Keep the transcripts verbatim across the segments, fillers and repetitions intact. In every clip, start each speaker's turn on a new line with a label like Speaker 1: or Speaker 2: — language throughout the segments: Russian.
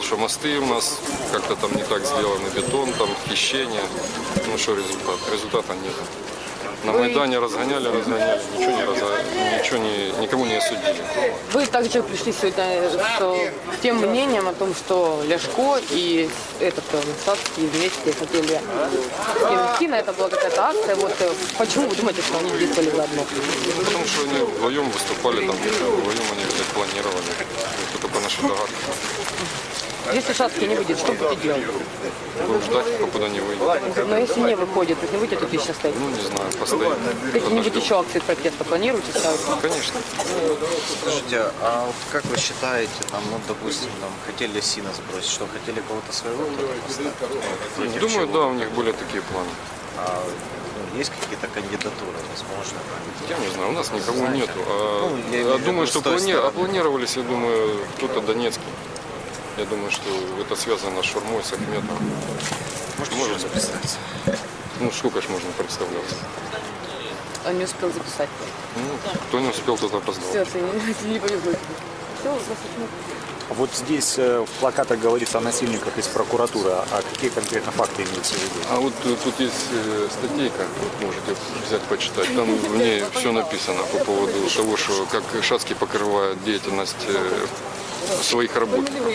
Speaker 1: что мосты у нас как-то там не так сделаны, бетон, там хищение. Ну что результат? Результата нет. На Майдане разгоняли, разгоняли, ничего не разгоняли, ничего не, никому не осудили.
Speaker 2: Вы также пришли сегодня с тем мнением о том, что Ляшко и этот Садский вместе хотели идти, на это была какая-то акция. Вот почему вы думаете, что они действовали заодно?
Speaker 1: Потому что они вдвоем выступали, там, вдвоем они это планировали. Это только наши догадки.
Speaker 2: Если Шацкий не выйдет, что будете делать?
Speaker 1: Будем ждать, покуда не выйдет.
Speaker 2: Но если не выходит, то не будете тут еще стоять?
Speaker 1: Ну, не знаю, постоим.
Speaker 2: Какие-нибудь еще акции протеста планируете ставить?
Speaker 1: Конечно.
Speaker 3: Скажите, а вот как вы считаете, там, ну, допустим, там, хотели Сина сбросить, что хотели кого-то своего кто-то поставить?
Speaker 1: Думаю, да, у них были такие планы.
Speaker 3: А, ну, есть какие-то кандидатуры, возможно?
Speaker 1: Я не знаю, у нас никого нету. А,
Speaker 3: Ну, я имею
Speaker 1: а
Speaker 3: в
Speaker 1: думаю,
Speaker 3: виду
Speaker 1: что
Speaker 3: с той
Speaker 1: плани...
Speaker 3: стороны.
Speaker 1: а планировались, я думаю, кто-то Донецкий. Я думаю, что это связано с Шурмой, с Ахметом.
Speaker 3: Можете еще раз представиться?
Speaker 1: Ну, сколько ж можно представляться?
Speaker 2: Он не успел записать.
Speaker 1: Ну, кто не успел, тот опоздал.
Speaker 2: Все, не, не повезло тебе. Все, вопросов нет.
Speaker 4: Вот здесь э, в плакатах говорится о насильниках из прокуратуры. А какие конкретно факты имеются в виду?
Speaker 1: А вот э, тут есть э, статейка, можете взять почитать. Там в ней все написано по поводу того, что как Шацкий покрывает деятельность э, своих работников.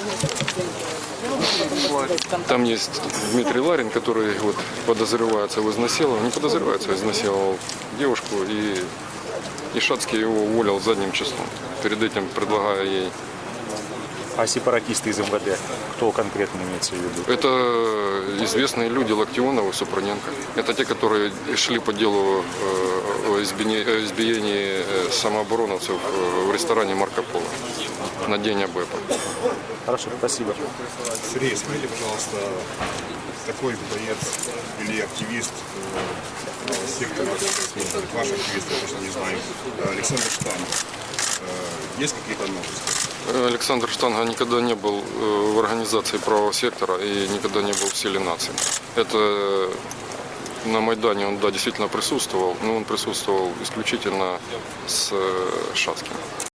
Speaker 1: Там есть Дмитрий Ларин, который вот подозревается в изнасиловании, не подозревается, а изнасиловал девушку, и, и Шацкий его уволил задним числом. Перед этим предлагая ей.
Speaker 4: А сепаратисты из эм вэ дэ, кто конкретно имеется в виду?
Speaker 1: Это известные люди Локтионов и Супруненко. Это те, которые шли по делу э, о избиении, о избиении самообороновцев в ресторане Марко Поло на день АБЭПа.
Speaker 4: Хорошо, спасибо.
Speaker 5: Сергей, смотрите, пожалуйста, такой боец или активист э, сектора, ваш активист, я точно не знаю, Александр Штанов. Э, есть какие-то новости?
Speaker 1: Александр Штанга никогда не был в организации правого сектора и никогда не был в силе нации. Это на Майдане он, да, действительно присутствовал, но он присутствовал исключительно с Шацким.